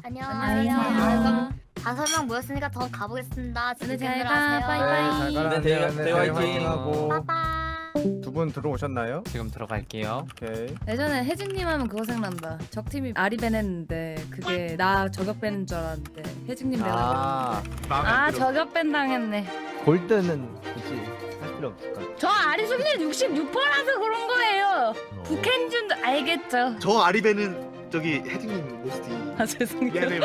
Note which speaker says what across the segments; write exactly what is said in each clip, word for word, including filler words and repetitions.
Speaker 1: 안녕하세요.
Speaker 2: 안녕하세요.
Speaker 1: 그럼 다섯 명 모였으니까 더 가보겠습니다.
Speaker 2: 네, 잘
Speaker 1: 즐겁게
Speaker 2: 가.
Speaker 1: 하세요.
Speaker 2: 빠이빠이.
Speaker 3: 네, 잘 가라.
Speaker 4: 네, 대화-
Speaker 3: 네,
Speaker 4: 대화
Speaker 3: 네,
Speaker 4: 화이팅.
Speaker 3: 화이팅하고
Speaker 1: 빠빠이.
Speaker 3: 두 분 들어오셨나요?
Speaker 4: 지금 들어갈게요.
Speaker 3: 오케이.
Speaker 2: 예전에 혜진님 하면 그거 생각난다. 적팀이 아리벤 했는데 그게 나 저격 뺀는 줄 알았는데 혜진님 내가
Speaker 3: 아,
Speaker 2: 아 저격 뺀 당했네.
Speaker 3: 골드는 굳이 할 필요 없을 것 같아.
Speaker 2: 저 아리수님 육십육 퍼센트라서 그런 거예요. 북한 줄 알겠죠.
Speaker 5: 저 아리베는 저기 혜진님 모스티
Speaker 2: 아 죄송해요.
Speaker 5: 미안해요.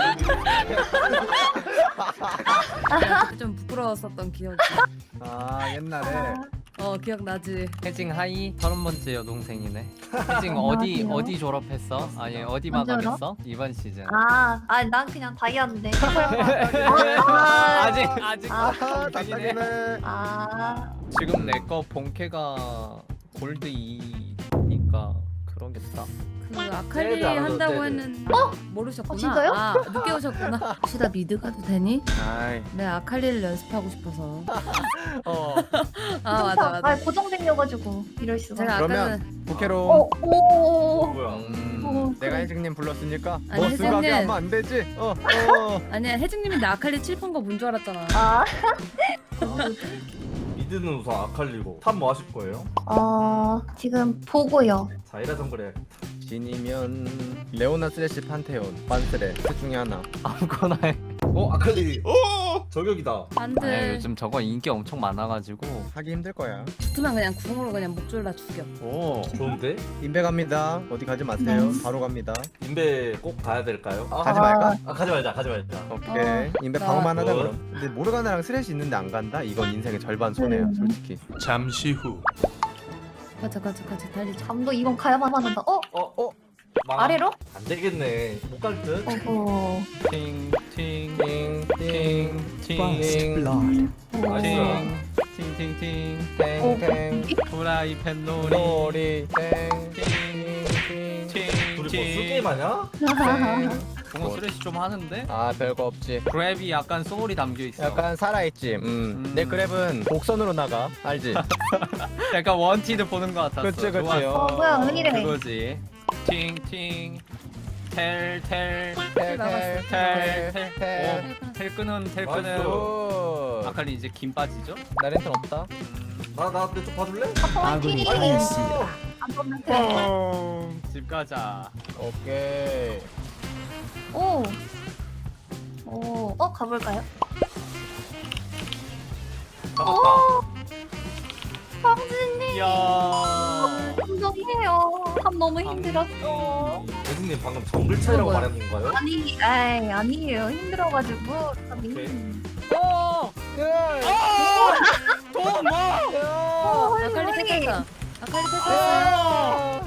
Speaker 2: 좀 부끄러웠었던 기억이.
Speaker 3: 아, 옛날에
Speaker 2: 어 기억나지.
Speaker 4: 혜징 하이 서른 번째 여동생이네. 혜징 어디
Speaker 1: 안녕하세요.
Speaker 4: 어디 졸업했어? 아니 어디
Speaker 1: 언제
Speaker 4: 마감했어? 이번 시즌.
Speaker 1: 아, 아, 난 그냥 다이아인데.
Speaker 4: 아직 아직
Speaker 1: 아,
Speaker 3: 아,
Speaker 4: 동생이네.
Speaker 3: 답답이네.
Speaker 1: 아,
Speaker 4: 지금 내 거 본캐가 골드 이니까 그러겠다.
Speaker 2: 그 아칼리
Speaker 4: 쟤도 안
Speaker 2: 한다고
Speaker 4: 하던데.
Speaker 2: 했는데 어? 모르셨구나.
Speaker 1: 어, 진짜요?
Speaker 2: 아 늦게 오셨구나. 혹시 나 미드 가도 되니?
Speaker 3: 아이,
Speaker 2: 내 아칼리를 연습하고 싶어서.
Speaker 4: 어.
Speaker 2: 아 맞아 맞아.
Speaker 1: 아, 고정생겨가지고 이럴 수가.
Speaker 2: 제가
Speaker 3: 그러면
Speaker 2: 아까는
Speaker 3: 부캐로
Speaker 1: 어, 오,
Speaker 4: 뭐야?
Speaker 1: 어,
Speaker 3: 내가 혜진님 불렀으니까
Speaker 2: 아니,
Speaker 3: 뭐
Speaker 2: 혜진님.
Speaker 3: 수각이 하면 안 되지? 어, 어.
Speaker 2: 아니야 혜진님이 나 아칼리 칠판 거 본 줄 알았잖아.
Speaker 1: 아,
Speaker 6: 미드는 우선 아칼리고 탑 뭐 하실 거예요?
Speaker 1: 어, 지금 보고요.
Speaker 6: 자이라 정글에
Speaker 3: 진이면 레오나 슬래시 판테온, 반스레 셋 중에 하나.
Speaker 4: 아무거나 해.
Speaker 6: 어 아칼리 어 저격이다.
Speaker 2: 안돼.
Speaker 4: 아니, 요즘 저거 인기 엄청 많아가지고.
Speaker 3: 하기 힘들 거야.
Speaker 2: 붙으면 그냥 궁으로 그냥 목 졸라 죽여.
Speaker 4: 오.
Speaker 6: 좋은데?
Speaker 3: 인베 갑니다. 어디 가지 마세요. 바로 갑니다.
Speaker 6: 인베 꼭 가야 될까요? 아,
Speaker 3: 가지 말까?
Speaker 6: 아 가지 말자 가지 말자.
Speaker 3: 오케이.
Speaker 2: 어,
Speaker 3: 인베
Speaker 2: 나-
Speaker 3: 방어만 하자
Speaker 6: 어.
Speaker 3: 그럼. 근데 모르가나랑 슬래시 있는데 안 간다? 이건 인생의 절반 손해야, 솔직히.
Speaker 5: 잠시 후
Speaker 2: 가자 가자 가자 달리자.
Speaker 1: 감도 이건 가야만 한다. 어?
Speaker 6: 어 어. 망.
Speaker 1: 아래로?
Speaker 6: 안 되겠네. 못 갈 듯.
Speaker 1: 어허.
Speaker 4: 팅팅팅팅팅
Speaker 6: 나이스.
Speaker 4: 팅팅팅
Speaker 3: 땡땡
Speaker 4: 프라이팬 놀이
Speaker 3: 놀이 땡
Speaker 6: 둘이 뭐 술게임 하냐?
Speaker 4: 동호 쓰레쉬 좀 하는데?
Speaker 3: 아 별거 없지.
Speaker 4: 그랩이 약간 소울이 담겨있어.
Speaker 3: 약간 살아있지. 음.
Speaker 4: 음.
Speaker 3: 내 그랩은 곡선으로 나가. 알지?
Speaker 4: 약간 원티드 보는 것 같았어.
Speaker 3: 그치 그치.
Speaker 4: 좋았어.
Speaker 1: 어, 뭐야, 은이래.
Speaker 4: 그거지. 팅팅 텔텔
Speaker 3: 텔텔텔텔.
Speaker 4: 텔 끄는 텔 끄는.
Speaker 6: 나이스.
Speaker 3: 오.
Speaker 4: 아칼리 이제 김 빠지죠?
Speaker 3: 나 렌턴 없다.
Speaker 6: 나나내좀 봐줄래?
Speaker 1: 아군이
Speaker 6: 어.
Speaker 1: 안 보면 돼.
Speaker 4: 집 가자.
Speaker 3: 오케이.
Speaker 1: 오. 오. 어, 가볼까요?
Speaker 6: 잡았다.
Speaker 1: 황진님.
Speaker 4: 이야.
Speaker 1: 감동이에요. 참 너무 힘들었어.
Speaker 6: 혜진님 방금 정글 차이라고
Speaker 2: 뭐야?
Speaker 6: 말하는 건가요?
Speaker 1: 아니, 에이, 아니에요. 힘들어가지고. 참
Speaker 6: 오케이.
Speaker 1: 힘-
Speaker 4: 오!
Speaker 3: 야.
Speaker 4: 돈 뭐?
Speaker 1: 어,
Speaker 2: 아칼리
Speaker 1: 헐,
Speaker 2: 뺏겼다. 아칼리 뺏겼어.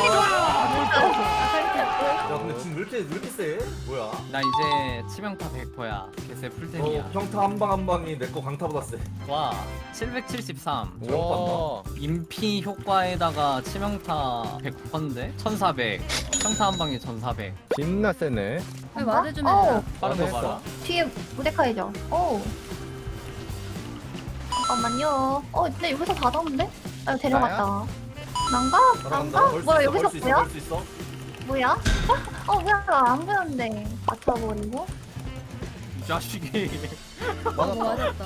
Speaker 2: 아칼리 뺏겼어.
Speaker 6: 야 근데 지금 왜 이렇게 왜 이렇게 세? 뭐야?
Speaker 4: 나 이제 치명타 백 퍼야. 개세 풀템이야.
Speaker 6: 어, 평타 한 방 한 방이 내 거 강타보다 세.
Speaker 4: 와, 칠백칠십삼.
Speaker 3: 와.
Speaker 4: 인피 효과에다가 치명타 백 퍼인데? 천사백. 평타 한 방에 천사백.
Speaker 3: 겁나 세네.
Speaker 2: 왜 와드 좀
Speaker 1: 어,
Speaker 2: 해라.
Speaker 4: 빠른 거
Speaker 3: 했어.
Speaker 4: 봐라.
Speaker 1: 뒤에 무데카이죠. 오. 잠깐만요. 어, 근데 여기서 다 잡는데? 아, 데려갔다. 난가?
Speaker 6: 잘한다.
Speaker 1: 난가?
Speaker 6: 벌 수
Speaker 1: 뭐야,
Speaker 6: 있어,
Speaker 1: 여기서
Speaker 6: 벌수 있어,
Speaker 1: 뭐야?
Speaker 6: 벌수 있어.
Speaker 1: 뭐야? 어, 뭐야? 안 보였는데. 맞춰버리고.
Speaker 4: 이 자식이.
Speaker 2: 어, 맞았다.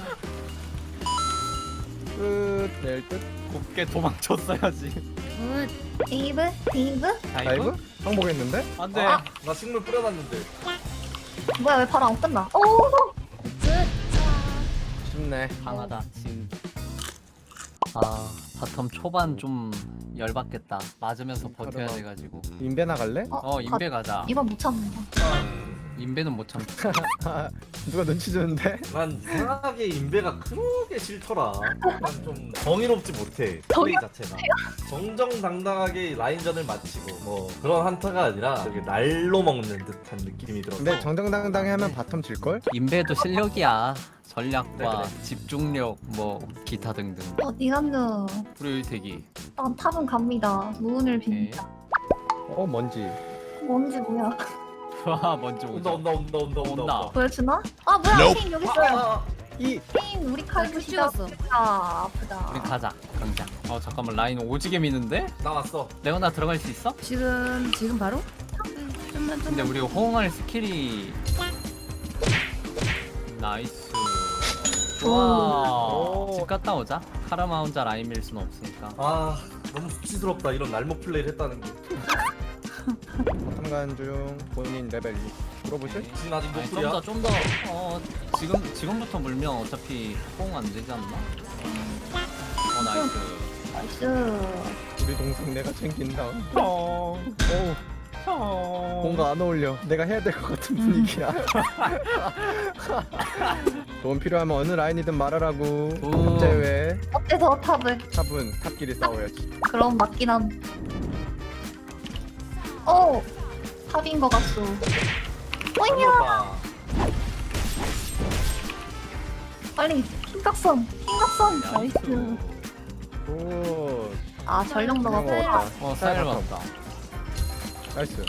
Speaker 3: 끝. 낼 듯.
Speaker 4: 곱게 도망쳤어야지.
Speaker 2: 굿.
Speaker 1: 데이브? 데이브?
Speaker 3: 다이브? 항복했는데?
Speaker 4: 안 돼.
Speaker 1: 아.
Speaker 6: 나 식물 뿌려놨는데.
Speaker 1: 뭐야, 왜 바로 안 끝나? 오!
Speaker 3: 쉽네.
Speaker 4: 강하다. 진. 아, 바텀 초반 좀 열받겠다. 맞으면서 버텨야
Speaker 3: 하루만.
Speaker 4: 돼가지고.
Speaker 3: 인베 나갈래?
Speaker 4: 어, 인베 가자.
Speaker 1: 이번 못 참는다.
Speaker 4: 인베는 못 참.
Speaker 3: 누가 눈치 주는데?
Speaker 6: 난 이상하게 인베가 그렇게 싫더라. 난 좀 정의롭지 못해. 플레이 자체가. 정정당당하게 라인전을 마치고 뭐 그런 한타가 아니라 되게 날로 먹는 듯한 느낌이 들어서.
Speaker 3: 근데 정정당당히 하면 바텀 질걸?
Speaker 4: 인베도 실력이야. 전략과
Speaker 6: 그래, 그래.
Speaker 4: 집중력 뭐 기타 등등.
Speaker 1: 어디 갔노?
Speaker 4: 불효율 대기.
Speaker 1: 난 탑은 갑니다. 무운을 빕니다.
Speaker 3: 어 뭔지.
Speaker 1: 뭔지 뭐야?
Speaker 4: 와, 먼저
Speaker 6: 온다
Speaker 4: 오자.
Speaker 6: 온다 온다 온다 온다.
Speaker 4: 온다.
Speaker 6: 온다.
Speaker 1: 보여주나? 아, 뭐야? 케인 여기 있어요.
Speaker 6: 아,
Speaker 3: 이
Speaker 1: 케인 우리 칼
Speaker 2: 큐
Speaker 1: 부시다.
Speaker 2: 찍었어.
Speaker 1: 아, 아프다.
Speaker 4: 우리 가자. 강자. 어, 잠깐만 라인 오지게 미는데?
Speaker 6: 나 왔어.
Speaker 4: 레오나 들어갈 수 있어?
Speaker 2: 지금 지금 바로? 좀만
Speaker 4: 근데
Speaker 2: 좀만.
Speaker 4: 우리 호응할 스킬이 나이스. 좋아.
Speaker 3: 오.
Speaker 4: 집 갔다 오자. 카라마 혼자 라인 밀 수는 없으니까.
Speaker 6: 아 너무 수치스럽다 이런 날목 플레이를 했다는 게.
Speaker 3: 바텀 가는 중 본인 레벨 이 물어보실?
Speaker 6: 진 아직
Speaker 4: 아니,
Speaker 6: 노플이야.
Speaker 4: 좀 더 좀 더 어, 지금 지금부터 물면 어차피 호응 안 되지 않나? 어 나이스.
Speaker 1: 나이스.
Speaker 3: 우리 동생 내가 챙긴다. 어. 어. 뭔가 안 어울려. 내가 해야 될 것 같은 분위기야. 도움 필요하면 어느 라인이든 말하라고.
Speaker 4: 오.
Speaker 3: 탑 제외.
Speaker 1: 어때서 탑을?
Speaker 3: 탑은 탑끼리 싸워야지.
Speaker 1: 그럼 맞긴 함. 어, 탑인 것 같소. 오이야,
Speaker 6: 오빠.
Speaker 1: 빨리 킹각선, 킹각선.
Speaker 4: 나이스.
Speaker 1: 나이스.
Speaker 3: 오.
Speaker 1: 아 전력
Speaker 3: 그냥
Speaker 1: 넣었어.
Speaker 3: 먹었다.
Speaker 4: 어 쌀 맞다.
Speaker 3: 나이스.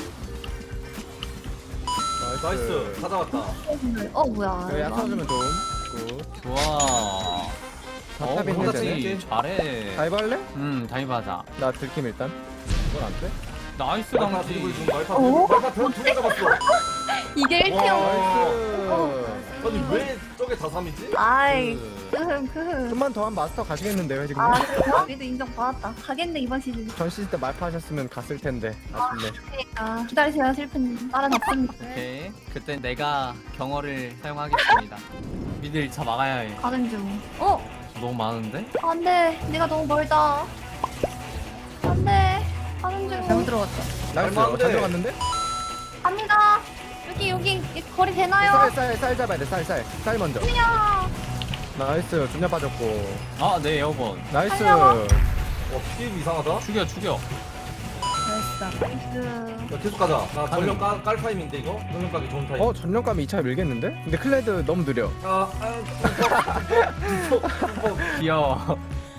Speaker 6: 나이스 가져왔다.
Speaker 1: 어 뭐야?
Speaker 3: 그래 야타 주면 좀. 굿.
Speaker 4: 좋아. 어
Speaker 3: 탑인
Speaker 4: 그렇지.
Speaker 3: 해제네.
Speaker 4: 잘해.
Speaker 3: 다이브 할래?
Speaker 4: 음 다이브하자.
Speaker 3: 나 들킴 일단. 이건 안 돼?
Speaker 4: 나이스
Speaker 6: 말파
Speaker 4: 강지.
Speaker 6: 드리블 중 말파
Speaker 1: 어?
Speaker 6: 말파 두개 잡았어.
Speaker 1: 이게 일 티 영.
Speaker 3: 나이스.
Speaker 6: 아니 왜 저게 다 삼이지?
Speaker 1: 아이,
Speaker 6: 그...
Speaker 1: 크흠 크흠.
Speaker 3: 좀만 더 하면 마스터 가시겠는데요 지금?
Speaker 1: 아, 그래요? 우리도 인정 받았다. 가겠네 이번 시즌.
Speaker 3: 전 시즌 때 말파 하셨으면 갔을 텐데 아쉽네.
Speaker 1: 그러니까 기다리세요 슬픈 따라잡습니다.
Speaker 4: 오케이. 그때 내가 경어를 사용하겠습니다. 미드 일 차 막아야 해.
Speaker 1: 가는 중. 어,
Speaker 4: 너무 많은데?
Speaker 1: 안돼. 내가 너무 멀다. 안돼. 가는
Speaker 2: 잘못
Speaker 1: 중.
Speaker 2: 들어갔다.
Speaker 3: 나이스.
Speaker 6: 얼마
Speaker 3: 어,
Speaker 6: 안
Speaker 3: 잘
Speaker 6: 돼.
Speaker 3: 들어갔는데?
Speaker 1: 갑니다. 여기 여기 이 거리 되나요?
Speaker 3: 쌀쌀 쌀 잡아야 돼. 쌀 쌀. 쌀 먼저.
Speaker 1: 야.
Speaker 3: 나이스. 준야 빠졌고.
Speaker 4: 아, 네, 에어본.
Speaker 3: 나이스.
Speaker 1: 살려봐.
Speaker 6: 와 피임 이상하다.
Speaker 4: 죽여, 죽여.
Speaker 2: 나이스다.
Speaker 1: 나이스.
Speaker 6: 야, 계속 가자. 나 전력 깔, 깔 타임인데 이거? 전력 까기 좋은 타임.
Speaker 3: 어 전력감이 이 차 밀겠는데? 근데 클레드 너무 느려.
Speaker 6: 아, 아, 뚜벅, 뚜벅, 뚜벅.
Speaker 4: 귀여워.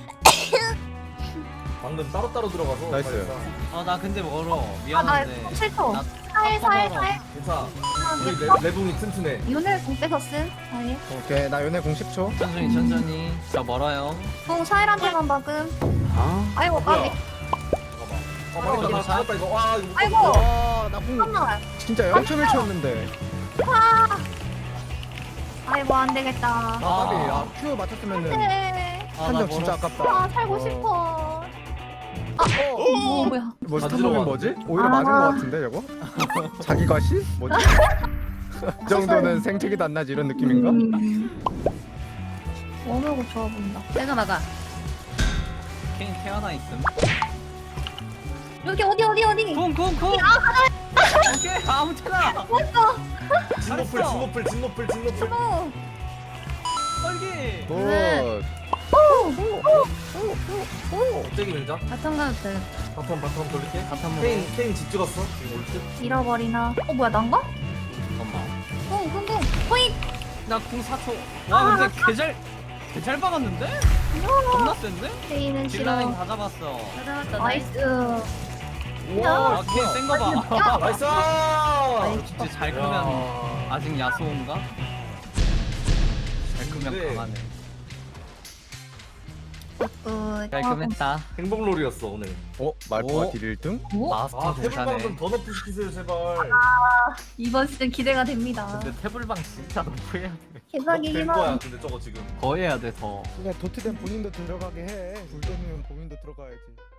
Speaker 6: 방금 따로따로 들어가서.
Speaker 3: 나이스.
Speaker 6: 잘했다.
Speaker 4: 아, 나 근데 멀어.
Speaker 1: 아나
Speaker 4: 미안한데.
Speaker 1: 싫어.
Speaker 4: 나
Speaker 1: 살살살.
Speaker 6: 괜찮아. 우리 레, 레붕이 튼튼해.
Speaker 1: 윤을 공 뺏었음. 아예.
Speaker 3: 오케이 나 연애 공 십 초.
Speaker 4: 천천히, 천천히. 저 멀어요.
Speaker 1: 공 사일한테만 박음.
Speaker 3: 아.
Speaker 1: 아이고 까비.
Speaker 6: 잠깐만. 아, 맞다. 나 죽었다 이거. 와, 이거 못
Speaker 1: 아이고.
Speaker 6: 봤어.
Speaker 3: 와나공
Speaker 1: 잠깐만.
Speaker 3: 진짜 영 점 일 초였는데.
Speaker 1: 아이고 안 되겠다.
Speaker 3: 아 까비. 아 Q 맞췄으면은
Speaker 1: 네.
Speaker 4: 아,
Speaker 3: 한
Speaker 4: 나
Speaker 3: 점 진짜
Speaker 4: 멀었어.
Speaker 3: 아깝다.
Speaker 1: 아 살고 싶어. 아, 어, 어 뭐야?
Speaker 3: 뭐
Speaker 6: 다
Speaker 3: 스타벅이 뭐지? 오히려
Speaker 1: 아.
Speaker 3: 맞은 거 같은데 저거? 자기 과시? 뭐지? 이 정도는 생태계도 안 나지 이런 느낌인가?
Speaker 1: 음. 어머고 좋아 보인다.
Speaker 2: 내가 막아.
Speaker 4: 케인 태어나 있음.
Speaker 1: 여기 어디 어디 어디?
Speaker 4: 쿵, 쿵, 쿵. 오케이, 아무 때나.
Speaker 1: 왔어.
Speaker 6: 진노플,
Speaker 4: 잘했어.
Speaker 6: 진노플, 진노플, 진노플.
Speaker 1: 어.
Speaker 4: 떨기.
Speaker 3: 굿.
Speaker 2: 네.
Speaker 6: 갑자기 밀자.
Speaker 2: 바텀 가도 돼.
Speaker 6: 바텀, 바텀 돌릴게.
Speaker 4: 바텀 먹어.
Speaker 6: 케인, 케인 집 찍었어. 지금 올 듯.
Speaker 1: 잃어버리나? 어 뭐야 난가?
Speaker 4: 잠깐만.
Speaker 1: 어 궁금. 포인.
Speaker 4: 나궁 사 초. 와, 근데 개잘, 개잘 박았는데? 겁나 센데?
Speaker 1: 페이는
Speaker 4: 딜라인
Speaker 1: 싫어.
Speaker 4: 다 잡았어.
Speaker 2: 찾아왔다.
Speaker 1: 나이스.
Speaker 4: 와, 케인 센거 봐.
Speaker 1: 야.
Speaker 6: 나이스!
Speaker 1: 나이스.
Speaker 4: 진짜 잘 크면
Speaker 6: 야.
Speaker 4: 아직 야소인가? 잘 크면
Speaker 6: 네.
Speaker 4: 강하네.
Speaker 1: 굿.
Speaker 4: 깔끔했다.
Speaker 6: 행복롤이었어 오늘.
Speaker 3: 어? 말포가
Speaker 4: 오.
Speaker 3: 딜 일 등?
Speaker 1: 오?
Speaker 4: 마스터
Speaker 6: 아, 태블
Speaker 4: 대사네.
Speaker 6: 방송 더 높이 시키세요 제발.
Speaker 1: 이번 시즌 기대가 됩니다.
Speaker 4: 근데 태블방 진짜 높이 해야 돼.
Speaker 1: 개사기
Speaker 6: 될
Speaker 1: 희망.
Speaker 6: 거야 근데 저거 지금.
Speaker 4: 더 해야 돼 더.
Speaker 3: 그냥 도트된 본인도 들어가게 해. 불도면 본인도 들어가야지.